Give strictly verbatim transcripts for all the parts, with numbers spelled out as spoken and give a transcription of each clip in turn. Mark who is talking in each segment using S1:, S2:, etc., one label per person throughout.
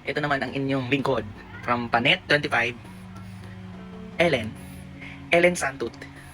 S1: Ito naman ang inyong lingkod from Panet twenty-five, Ellen. Ellen Santut.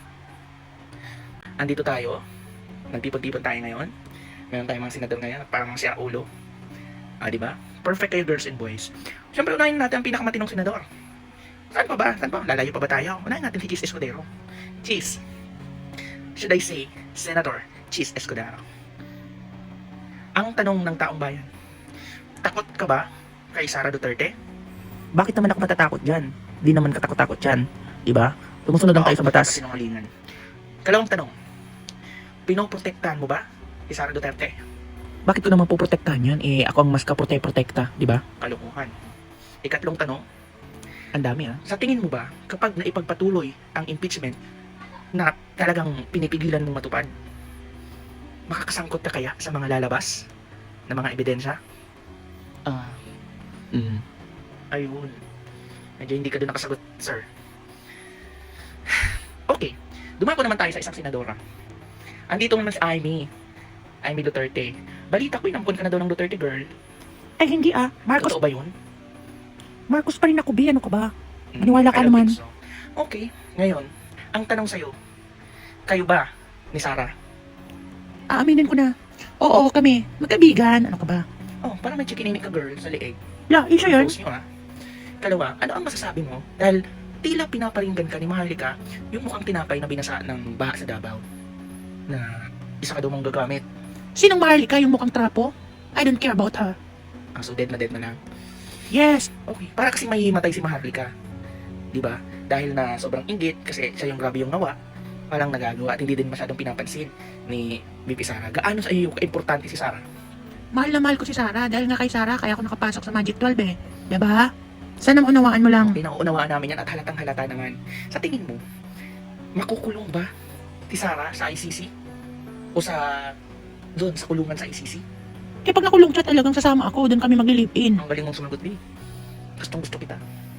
S1: Andito tayo. Nagtipon-tipon tayo ngayon. Meron tayong mga senador ngayon. Parang siya ulo. Ah, di ba? Perfect kayo, girls and boys. Siyempre, unahin natin ang pinakamatinong senador. Saan pa ba? Saan pa? Lalayo pa ba tayo? Unahin natin si Cheese Escudero. Cheese. Should I say, Senator Cheese Escudero. Ang tanong ng taong bayan, takot ka ba kay Sara Duterte? Bakit naman ako matatakot dyan? Di naman katakot-takot dyan. Diba? Tumusunod lang tayo sa batas. Sinungalingan. Kalawang tanong, pinoprotektahan mo ba si Sara Duterte? Bakit ko naman poprotektahan yan? Eh, ako ang mas kaprote-protekta, di ba? Kalukuhan. Ikatlong tanong, ang dami ah. Sa tingin mo ba, kapag naipagpatuloy ang impeachment na talagang pinipigilan mong matupad, makakasangkot ka kaya sa mga lalabas na mga ebidensya? Ah, mm. Ayun. Medyo hindi ka doon nakasagot, sir. Okay. Dumako naman tayo sa isang senadora. Andito naman si Amy. Amy Duterte. Balita ko, inampun ka na daw ng Duterte, girl.
S2: Ay, hindi ah. Marcos,
S1: Totoo ba yun?
S2: Marcos pa rin ako, B. Ano ka ba?
S1: Mm,
S2: Maniwala
S1: I
S2: ka
S1: don't
S2: naman.
S1: think so. Okay. Ngayon, ang tanong sa'yo, kayo ba ni Sara?
S2: Aaminin ko na. Oo, kami. Magkaibigan. Ano ka ba?
S1: Oh, parang may chikinini ka, girl, sa liig.
S2: La, isa yun.
S1: Close nyo, ha? Kalawa, ano ang masasabi mo? Dahil tila pinaparinggan ka ni Maharlika yung mukhang tinapay na binasa ng baha sa Davao. Na isa ka daw mong gagamit.
S2: Sinong Maharlika yung mukhang trapo? I don't care about her.
S1: Ah, so dead na dead na lang.
S2: Yes.
S1: Okay, para kasi may matay si Maharlika. Di ba? Dahil na sobrang inggit kasi siya yung grabe yung nawa, walang nagagawa at hindi din masyadong pinapansin ni B P Sara. Gaano sa iyo ka-importante si Sara?
S2: Mahal na mahal ko si Sarah. Dahil nga kay Sarah, kaya ako nakapasok sa Magic twelve eh. Diba? Sana unawaan mo lang.
S1: Pinauunawaan namin yan at halatang halata naman. Sa tingin mo, makukulong ba si Sara sa I C C? O sa doon sa kulungan sa I C C?
S2: Eh pag nakulong siya talagang sasama ako, doon kami magli-live-in.
S1: Ang galing mong sumagot, Lee. Gustong gusto kita.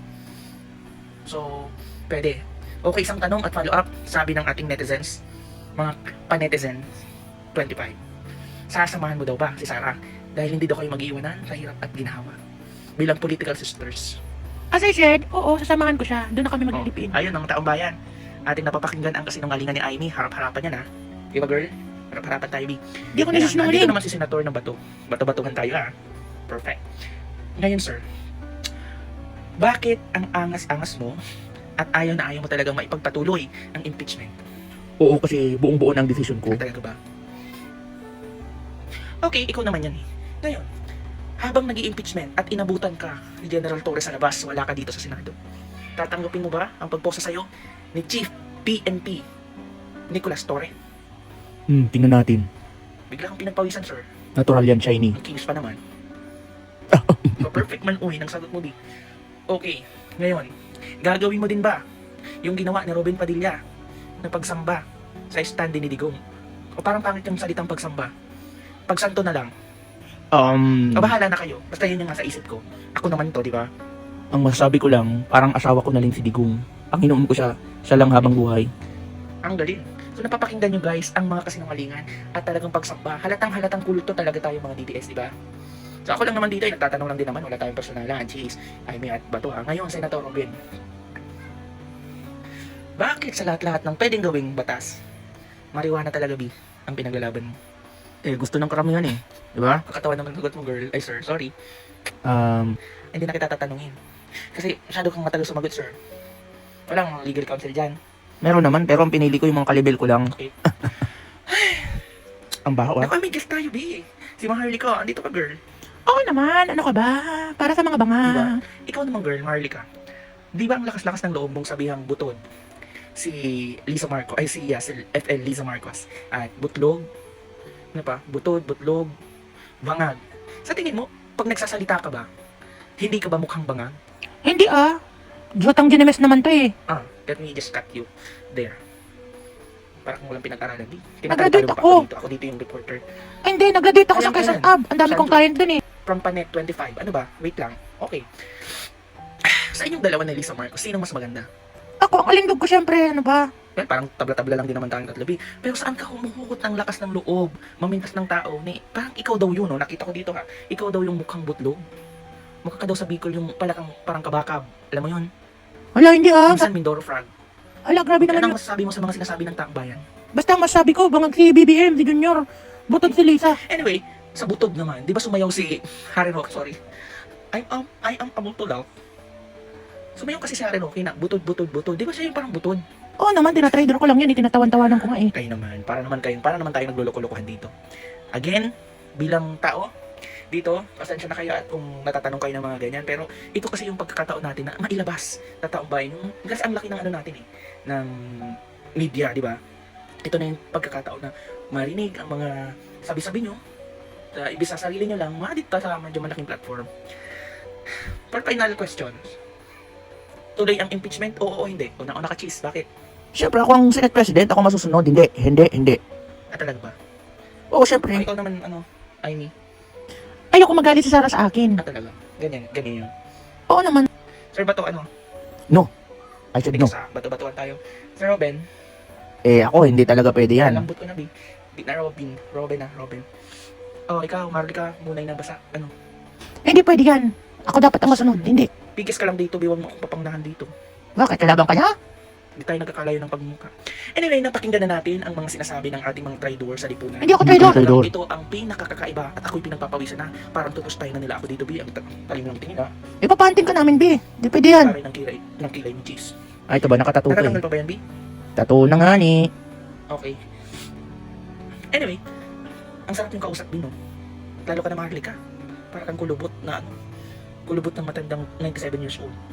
S1: So, pwede. Okay, isang tanong at follow-up. Sabi ng ating netizens, mga pa-netizens, twenty-five. Sasamahan mo daw ba si Sara? Dahil hindi daw kayo mag-iwanan sa hirap at ginhawa. Bilang political sisters.
S2: As I said, oo, sasamahan ko siya. Doon na kami
S1: Oh,
S2: magli-live-in.
S1: ayun, ang taong bayan. Ating napapakinggan ang kasinungalingan ni Amy. Harap-harapan yan, ha? Di ba, girl? Harap-harapan tayo, B.
S2: Di ako
S1: Ayan,
S2: nasisinungaling.
S1: andito naman si Senator ng Bato. Bato-batuhan tayo, ha? Perfect. Ngayon, sir, bakit ang angas-angas mo at ayaw na ayaw mo talagang maipagpatuloy ang impeachment?
S2: Oo, kasi buong-buo ng decision ko.
S1: Ah, talaga ba? Okay, ikaw naman yan eh. Ngayon, habang nag impeachment at inabutan ka ni General Torres sa labas, wala ka dito sa Senado, tatanggapin mo ba ang pagposa sa'yo ni Chief P N P Nicolas Torre?
S2: Hmm, tingnan natin.
S1: Bigla kang pinagpawisan, sir.
S2: Natural yan, shiny.
S1: Ang kinis pa naman. So, perfect man uwi ng sagot mo, di. Okay, ngayon, gagawin mo din ba yung ginawa ni Robin Padilla na pagsamba sa stand ni Digong? O parang pangit yung salitang pagsamba? Pagsanto na lang.
S2: Um,
S1: O bahala na kayo. Basta yun yung nasa isip ko. Ako naman to, di ba?
S2: ang masasabi ko lang, parang asawa ko na rin si Digong. Ang inuum ko siya, siya lang habang buhay.
S1: Ang galing. So napapakinggan nyo guys ang mga kasinungalingan at talagang pagsamba. Halatang halatang kulto talaga tayo mga D D S, di ba? So ako lang naman dito, eh, nagtatanong lang din naman, wala tayong personalan. Cheese, Amy at Bato ha. Ngayon, Senator Robin. Bakit sa lahat-lahat ng pwedeng gawing batas, marijuana talaga, B, ang pinaglalaban mo?
S2: Eh, gusto ng karamihan eh. Di ba?
S1: Kakatawa naman sagot mo, girl. Ay, sir, sorry.
S2: Um,
S1: Hindi na kita tatanungin. Kasi masyado kang matagal sumagot, sir. Walang legal counsel dyan.
S2: meron naman, pero ang pinili ko yung mga kalibel ko lang.
S1: Okay.
S2: Ang baho ah.
S1: Naku, may guest tayo, B. Si Maharlika, andito ka, girl.
S2: Oo naman, ano ka ba? Para sa mga banga.
S1: Diba? Ikaw naman, girl, Maharlika. Di ba ang lakas-lakas ng loob mong sabihang butod? Si Lisa Marcos, ay si, yeah, si F L Lisa Marcos. At butlog, ano pa? Butod, butlog, bangag. Sa tingin mo, pag nagsasalita ka ba, hindi ka ba mukhang bangag?
S2: Hindi ah. Jotang Ginemes naman to eh.
S1: Ah, let me just cut you there. Para kung walang pinag-aralan. Di,
S2: Nag-graduate
S1: tinatalo pa
S2: ako.
S1: dito. Ako dito yung reporter.
S2: Ay, hindi, nag-graduate ako
S1: Ayan,
S2: sa Quezon
S1: ayan.
S2: Ab. Ang dami
S1: Saan
S2: kong
S1: to?
S2: client dun eh.
S1: From Panet twenty-five. Ano ba? Wait lang. Okay. Sa inyong dalawa ni Lisa Marcos, sino mas maganda?
S2: Ako, ang alindog ko syempre, ano ba?
S1: Well, parang tabla-tabla lang din naman tayong tatlabi. Pero saan ka humuhugot ng lakas ng loob, mamintas ng tao, ni parang ikaw daw yun, no? Nakita ko dito ha. Ikaw daw yung mukhang butlog. Mukha ka daw sa Bicol yung pala kang parang kabakab. Alam mo yun?
S2: Hala, hindi ah.
S1: Minsan Mindoro Frog.
S2: Hala, grabe naman
S1: Anong
S2: yun.
S1: masasabi mo sa mga sinasabi ng Taakbayan?
S2: Basta ang masabi ko, bangag si B B M, si Junior. Butod si Lisa.
S1: Anyway, sa butod naman, di ba sumayaw si Harry Roque, sorry. I am, I am a butod daw. Sumayaw kasi si Harry Roque na butod, butod, butod. Di ba siya yung parang butod?
S2: Oo naman, tinatrader ko lang yan, itinatawan-tawanan ko nga eh.
S1: Kayo naman, para naman kayo, para naman tayo nagluloko-lokohan dito. Again, bilang tao, dito, pasensya na kayo at kung natatanong kayo ng mga ganyan, pero ito kasi yung pagkakataon natin na mailabas na taong bayan. Yung, kasi ang laki ng ano natin eh, ng media, di ba? Ito na yung pagkakataon na marinig ang mga sabi-sabi nyo, uh, ibig sa sarili nyo lang, mga dito sa medyo malaking platform. For final questions, tuloy ang impeachment, oo o hindi? Una-una ka, Cheese, bakit?
S2: Siyempre, ako ang Senate President, ako masusunod. Hindi, hindi, hindi.
S1: At talaga ba?
S2: Oo,
S1: Oh,
S2: siyempre.
S1: ikaw naman, ano, Amy?
S2: Ayoko magalit si Sarah sa akin.
S1: At talaga? Ganyan, ganyan yun.
S2: Oo naman.
S1: Sir Bato, ano?
S2: I said
S1: Hindi
S2: no.
S1: sa bato-batuan tayo. Sir Robin,
S2: Eh, ako, hindi talaga pwede yan.
S1: lambot ko na, Bi. Di na Robin. Robin na, Robin. Oh, ikaw, Marlica, munay na basa. Ano?
S2: Hindi pwede yan. Ako dapat ang masunod. Hindi.
S1: Pigis ka lang dito, biwag mo akong papangnahan dito.
S2: Bakit? Kalaban ka niya?
S1: Hindi tayo nagkakalayo ng pagmuka. Anyway, napakinggan na natin ang mga sinasabi ng ating mga traitor sa lipunan.
S2: Hindi ako
S1: Ito
S2: traidor.
S1: lang, Ito ang pinakakakaiba at ako'y pinagpapawisan na. Parang tutustay na nila ako dito, Bi. Ang ta- talim ng tingin, ha?
S2: Ipapanting ka namin, B. Hindi pwede yan.
S1: Pare ng kilay, ng kilay ni Cheese.
S2: Ay, ito ba? Nakatato
S1: Natatanggal pa ba yan, Bi?
S2: Tato na nga ni.
S1: Okay. Anyway, ang sarap yung kausap, Bi, no? Lalo ka na Marlica. Para kang kulubot na ano. Kulubot ng matandang ninety-seven years old.